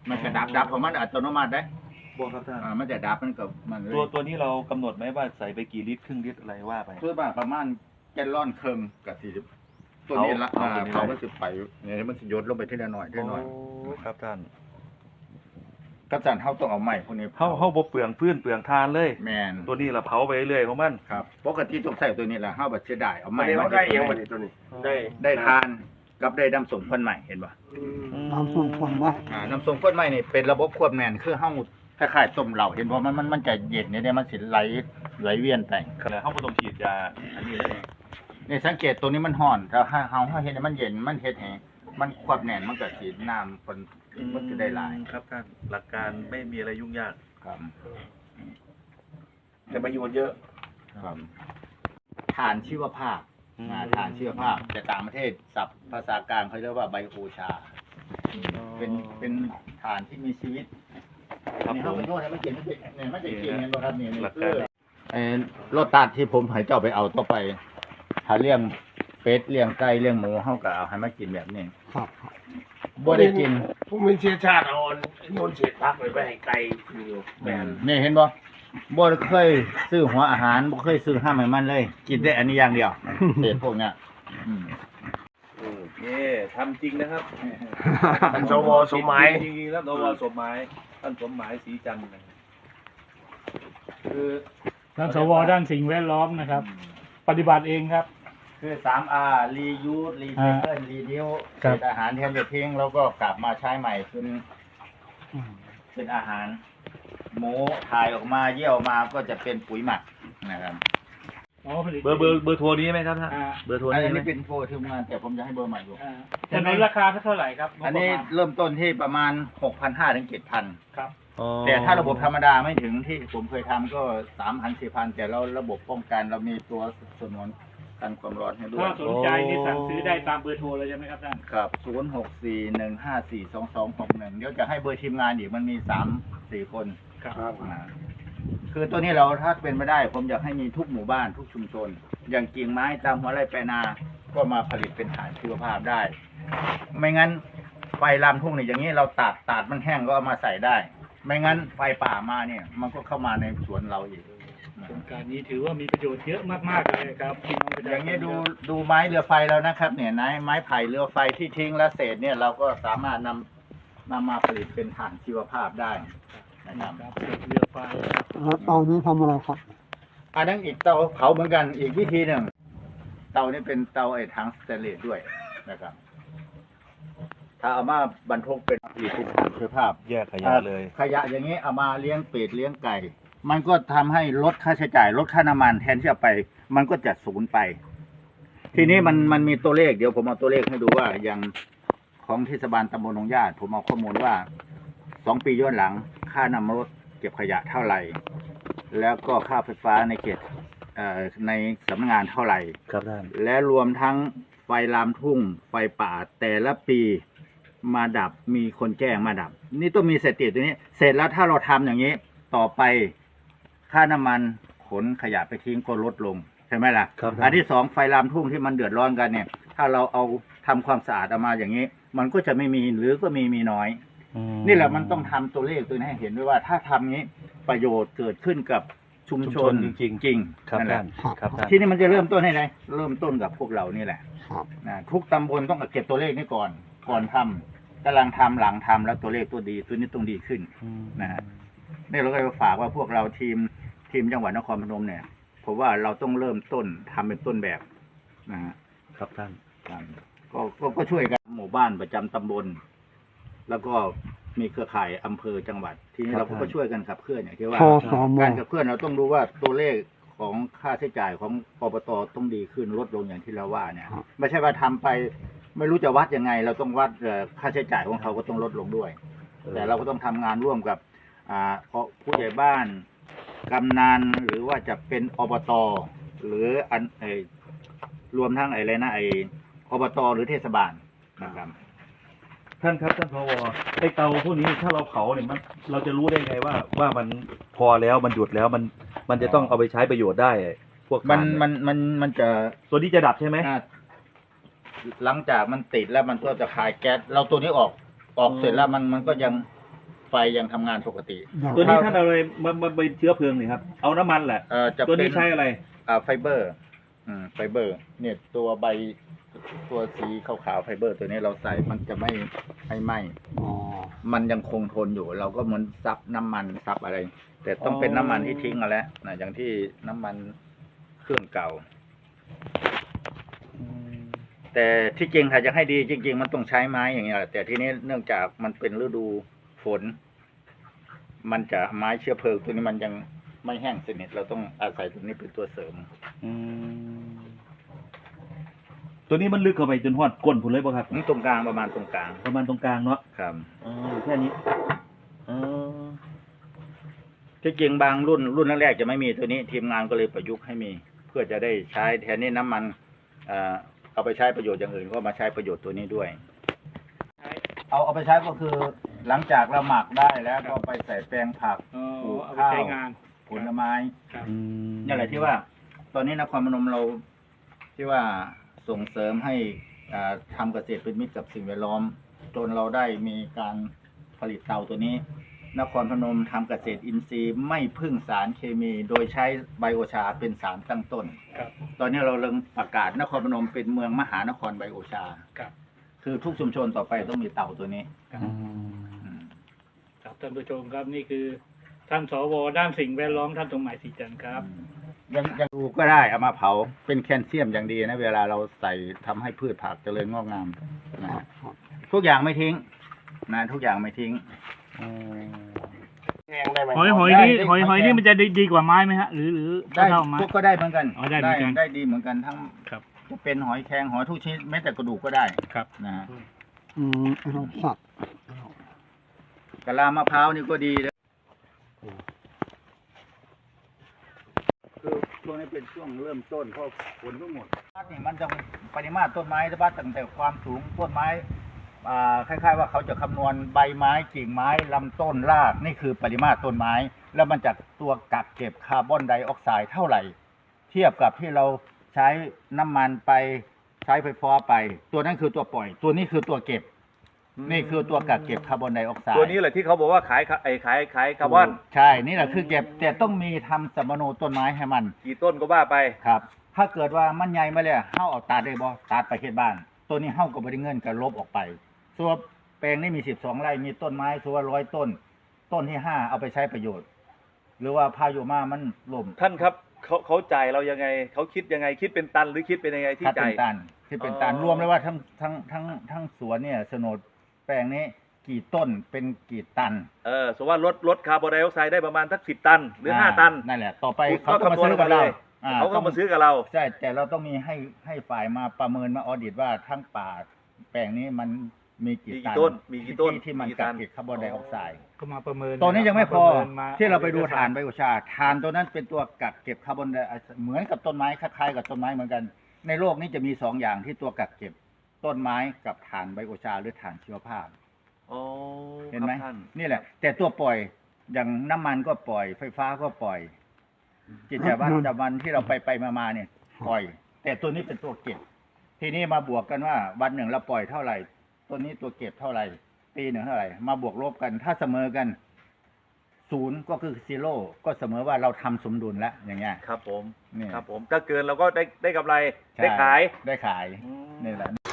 มันจะดับของมันอัตโนมัติได้บัวครับท่านมันจะดับมันกับมันตัวนี้เรากำหนดไหมว่าใส่ไปกี่ลิตรครึ่งลิตรอะไรว่าไปคือประมาณแกลลอนครึ่งกับ40ตัวนี้ละเขาก็จะไปเนี่ยมันจะยดลงไปทีละหน่อยทีละหน่อยครับท่านก็จานเขาต้องเอาใหม่พวกนี้เขาบ่เปลืองพื้นเปลืองทานเลยแมนตัวนี้เราเผาไปเรื่อยของมันครับปกติต้องใส่ตัวนี้แหละเขาแบบเสียดายเอาใหม่มาได้เองวันนี้ตัวนี้ได้ทานกับได้น้ำส้มข้นใหม่เห็นป่ะน้ำส้มข้นใหม่น้ำส้มข้นใหม่นี่เป็นระบบควบแมนคือเฮาคล้ายๆต้มเหล้าเห็นป่ะมันจะเย็นเนี่ยมันสิไหลเวียนไปเขาบ่ต้องฉีดยาอันนี้เลยนี่สังเกตตัวนี้มันห่อนถ้าเฮาเห็นมันเย็นมันเฮ็ดให้มันควบแน่นมันก็สิน้ำมันจะได้หลายครับท่านหลักการไม่มีอะไรยุ่งยากครับแต่ประโยชน์เยอะครับฐานชีวภาพฐานชีวภาพแต่ต่างประเทศศัพท์ภาษากลางเขาเรียกว่าไบโอชาเป็นฐานที่มีชีวิตนี่เขาเป็นโทษนะมันเก่งมันจะเก่งกันบ่ครับเนี่ยรถตัดที่ผมให้เจ้าไปเอาต่อไปถ้าเลี้ยงเป็ดเลี้ยงไก่เลี้ยงหมูเฮาก็เอาให้มากินแบบนี้ครับบ่ได้กินผู้มีเชื้อชาติอ่อนโยนเศษพักไปให้ไก่อยู่แม่นนี่เห็นบ่เคยซื้อหัวอาหารบ่เคยซื้อห้ามให้มันเลยกินได้อันนี้อย่างเดียวเศษพวกเนี้ยนี่ทำจริงนะครับท่านสวสมหมายจริงๆแล้วสวสมหมายท่านสมหมายศรีจันทร์คือท่านสวด้านสิ่งแวดล้อมนะครับปฏิบัติเองครับคือ 3R reuse recycle reduce เศษอาหารแทนจะทิ้งแล้วก็กลับมาใช้ใหม่เป็นอาหารหมูถ่ายออกมาเยี่ยวมาก็จะเป็นปุ๋ยหมักนะครับเบอร์โทรนี้ไหมครับท่านเบอร์โทรนี้อันนี้เป็นโทรทีมงานแต่ผมจะให้เบอร์ใหม่อยู่แต่ในราคาเท่าไหร่ครับอันนี้เริ่มต้นที่ประมาณ 6,500 ถึง 7,000 ครับแต่ถ้าระบบธรรมดาไม่ถึงที่ผมเคยทำก็ 3,000 4,000 แต่เราระบบป้องกันเรามีตัวสนวนกันความร้อนให้ด้วยถ้าสนใจนี่สั่งซื้อได้ตามเบอร์โทรเลยใช่ไหมครับท่านครับ0641542261เดี๋ยวจะให้เบอร์ทีมงานอีกมันมี 3-4 คนครับคือตัวนี้เราถ้าเป็นไม่ได้ผมอยากให้มีทุกหมู่บ้านทุกชุมชนอย่างกิ่งไม้ตามหัวไร่แปลนาก็มาผลิตเป็นฐานชีวภาพได้ไม่งั้นไฟลามทุ่งเนี่ยอย่างนี้เราตัดมันแห้งก็เอามาใส่ได้ไม่งั้นไฟป่ามาเนี่ยมันก็เข้ามาในสวนเราอีกโครงการนี้ถือว่ามีประโยชน์เยอะมากๆเลยครับพี่น้องประชาชนอย่างนี้ดูไม้เรือไฟแล้วนะครับเนี่ยไม้ไผ่เรือไฟที่ทิ้งและเศษเนี่ยเราก็สามารถนำมาผลิตเป็นถ่านชีวภาพได้นะครับเรือไฟแล้วเตานี้ทำอะไรครับอันนั้นอีกเตาเผาเหมือนกันอีกวิธีหนึ่งเตานี้เป็นเตาถังสแตนเลสด้วยนะครับถ้าเอามาบรรทุกเป็นผลิตเป็นถ่านชีวภาพแยกขยะเลยขยะอย่างนี้เอามาเลี้ยงเป็ดเลี้ยงไก่มันก็ทำให้ลดค่าใช้จ่ายลดค่าน้ำมันแทนที่จะไปมันก็จะสูญไปทีนี้มันมีตัวเลขเดี๋ยวผมเอาตัวเลขให้ดูว่าอย่างของเทศบาลตำบลหนองญาติผมเอาข้อมูลว่า2 ปีย้อนหลังค่าน้ำรถเก็บขยะเท่าไหร่แล้วก็ค่าไฟฟ้าในเขตในสำนักงานเท่าไหร่ครับท่านและรวมทั้งไฟลามทุ่งไฟป่าแต่ละปีมาดับมีคนแจ้งมาดับนี่ต้องมีสถิติตัวนี้เสร็จแล้วถ้าเราทำอย่างนี้ต่อไปค่าน้ำมันขนขยะไปทิ้งก็ลดลงใช่ไหมล่ะอันที่2ไฟลามทุ่งที่มันเดือดร้อนกันเนี่ยถ้าเราเอาทำความสะอาดออกมาอย่างนี้มันก็จะไม่มีหรือก็มีน้อยนี่แหละมันต้องทำตัวเลขตัวนี้ให้เห็นด้วยว่าถ้าทำนี้ประโยชน์เกิดขึ้นกับชุมชนจริงนั่นแหละที่นี่มันจะเริ่มต้นให้ไงเริ่มต้นกับพวกเรานี่แหละทุกตำบลต้องเก็บตัวเลขนี้ก่อนทำกำลังทำหลังทำแล้วตัวเลขตัวนี้ต้องดีขึ้นนะฮะนี่เราก็ฝากว่าพวกเราทีมจังหวัดนครพนมเนี่ยผมว่าเราต้องเริ่มต้นทำเป็นต้นแบบนะครับท่านก็ช่วยกันหมู่บ้านประจำตำบลแล้วก็มีเครือข่ายอำเภอจังหวัดทีนี้เราก็ช่วยกันขับเคลื่อนอย่างที่ว่าการขับเคลื่อนเราต้องดูว่าตัวเลขของค่าใช้จ่ายของอบตต้องดีขึ้นลดลงอย่างที่เราว่าเนี่ยไม่ใช่ว่าทำไปไม่รู้จะวัดยังไงเราต้องวัดค่าใช้จ่ายของเขาก็ต้องลดลงด้วยแต่เราก็ต้องทำงานร่วมกับผู้ใหญ่บ้านกำนันหรือว่าจะเป็นอบตหรือรวมทั้งอบตหรือเทศบาลนะครับท่านครับท่านผอ.ไอเตาพวกนี้ถ้าเราเผาเนี่ยเราจะรู้ได้ไงว่ามันพอแล้วมันหยุดแล้วมันจะต้องเอาไปใช้ประโยชน์ได้พวกมันจะตัวนี้จะดับใช่ไหมหลังจากมันติดแล้วมันก็จะคายแก๊สเราตัวนี้ออกเสร็จแล้วมันก็ยังไฟยังทำงานปกติตัวนี้ท่านเอาอะไรมาเป็นเชื้อเพลิงนี่ครับเอาน้ำมันแหละจะตัวเป็นี้นใช้อะไรไฟเบอร์ไฟเบอร์ เนี่ยตัวใบตัวสีขาวๆไฟเบอร์ ตัวนี้เราใส่มันจะไม่ไหม้อ๋อมันยังคงทนอยู่ เราก็เหมือนซับน้ำมันซับอะไร แต่ต้องเป็นน้ำมันที่ทิ้งมาแล้วนะอย่างที่น้ำมันเครื่องเก่า แต่ที่จริงถ้าจะให้ดีจริง ๆ มันต้องใช้ไม้อย่างเงี้ยแหละแต่ทีนี้เนื่องจากมันเป็นฤดูฝน มันจะไม้เชื้อเพลิงตัวนี้มันยังไม่แห้งสนิทเราต้องอาศัยตัวนี้เป็นตัวเสริมตัวนี้มันลึกเข้าไปจนหอดก้นผุนเลยป่ะครับนี่ตรงกลางประมาณตรงกลางประมาณตรงกลางเนาะครับอยู่แค่นี้อ๋อที่จริงบางรุ่นแรกๆจะไม่มีตัวนี้ ทีมงานก็เลยประยุกต์ให้มี เพื่อจะได้ใช้แทนนี่น้ำมันเอาไปใช้ประโยชน์อย่างอื่นก็มาใช้ประโยชน์ตัวนี้ด้วย เอาไปใช้ก็คือ หลังจากเราหมักได้แล้วก็ไปใส่แปลงผัก ปลูกเอาไปข้าวใช้งานผลไม้ครับนี่แหละที่ว่า ตอนนี้นครพนมเราที่ว่าส่งเสริมให้ทำเกษตรเป็นมิตรกับสิ่งแวดล้อมจนเราได้มีการผลิตเตาตัวนี้ นครพนมทำเกษตรอินทรีย์ไม่พึ่งสารเคมี โดยใช้ไบโอชาเป็นสารตั้งต้นครับตอนนี้เราเริ่มประกาศนครพนมเป็นเมืองมหานครไบโอชาครับคือทุกชุมชนต่อไปต้องมีเตาตัวนี้ครับครับท่านผู้ชมครับนี่คือท่านสวด้านสิ่งแวดล้อมท่านสมหมายศรีจันทร์ครับยังดูก็ได้เอามาเผาเป็นแคลเซียมอย่างดีนะเวลาเราใส่ทำให้พืชผักเจริญงอกงามนะฮะทุกอย่างไม่ทิ้งนะทุกอย่างไม่ทิ้งแห้งได้ไหมหอยนี่มันจะดีกว่าไม้ไหมฮะหรือได้เท่าไม้พวกก็ได้เหมือนกันอ๋อได้เหมือนกันได้ดีเหมือนกันทั้งครับจะเป็นหอยแครงหอยทุกชนิดแม้แต่กระดูกก็ได้ครับนะฮะเราสับกะลามะพร้าวนี่ก็ดีเลยคือช่วงนี้เป็นช่วงเริ่มต้นเพราะฝนทั้งหมดนี่มันจะปริมาตรต้นไม้วัดตั้งแต่ความสูงต้นไม้คล้ายๆว่าเขาจะคำนวณใบไม้กิ่งไม้ลำต้นรากนี่คือปริมาตรต้นไม้ แล้วมันจากตัวกักเก็บคาร์บอนไดออกไซด์เท่าไหร่ เทียบกับที่เราใช้น้ำมันไปใช้ไฟฟ้าไป ตัวนั้นคือตัวปล่อย ตัวนี้คือตัวเก็บ นี่คือตัวกักเก็บคาร์บอนไดออกไซด์ตัวนี้แหละที่เขาบอกว่าขายคาร์บอนใช่นี่แหละคือเก็บแต่ต้องมีทำสมโนต้นไม้ให้มันกี่ต้นก็ว่าไปครับ ถ้าเกิดว่ามันใหญ่มาเลยเฮาเอาตัดได้บ่ตัดไปเฮ็ดบ้าน ตัวนี้เฮาก็บ่ได้เงินก็ลบออกไปส่วนแปลงนี้มี12ไร่มีต้นไม้ส่วน100ต้น ต้นที่5เอาไปใช้ประโยชน์ หรือว่าพายุมามันล่มท่านครับเขาจ่ายเรายังไงเขาคิดยังไงคิดเป็นตันหรือคิดเป็นยังไงที่ถ้าเป็จ่ายนตันที่เป็นตันอ๋อรวมเลยว่าทั้งสวนเนี่ยโฉนดแปลงนี้กี่ต้นเป็นกี่ตันสมมติว่าลดคาร์บอนไดออกไซด์ได้ประมาณสัก10 ตันหรือ5 ตันนั่นแหละต่อไปคุณเขาก็มาซื้อกับเราเขาก็มาซื้อกับเราใช่แต่เราต้องมีให้ฝ่ายมาประเมินมาออดิตว่าทั้งป่าแปลงนี้มันมีกี่มีกี่ต้นมีกี่ต้นที่มันมีกี่กัตักนเก็บคาร์บอนไดออกไซด์ก็มาประเมินตอนนี้ยังไม่พอประมินมที่เราไปดูถ่านไบโอชาถ่านตัวนั้นเป็นตัวกักเก็บคาร์บอนไดออกไซด์เหมือนกับต้นไม้คล้ายๆกับต้นไม้เหมือนกัน ในโลกนี้จะมี2อย่างที่ตัวกักเก็บต้นไม้กับถ่านไบโอชาหรือถ่านชีวภาพอ๋อเห็นไหมครับท่านนี่แหละ แต่ตัวปล่อยอย่างน้ำมันก็ปล่อย ไฟฟ้าก็ปล่อย กิจวัตรประจำวันที่เราไปมาเนี่ยปล่อย แต่ตัวนี้เป็นตัวเก็บ ทีนี้มาบวกกันว่าวันหนึ่งเราปล่อยเท่าไหร่ ตัวนี้ตัวเก็บเท่าไหร่ ปีหนึ่งเท่าไหร่ มาบวกลบกัน ถ้าเสมอกัน0ก็คือซีโร่ก็เสมอว่าเราทำสมดุลแล้วอย่างเงี้ยครับผมนี่ครับผมถ้าเกินเราก็ได้กำไรใช่ได้ขายได้ขายนี่แหละ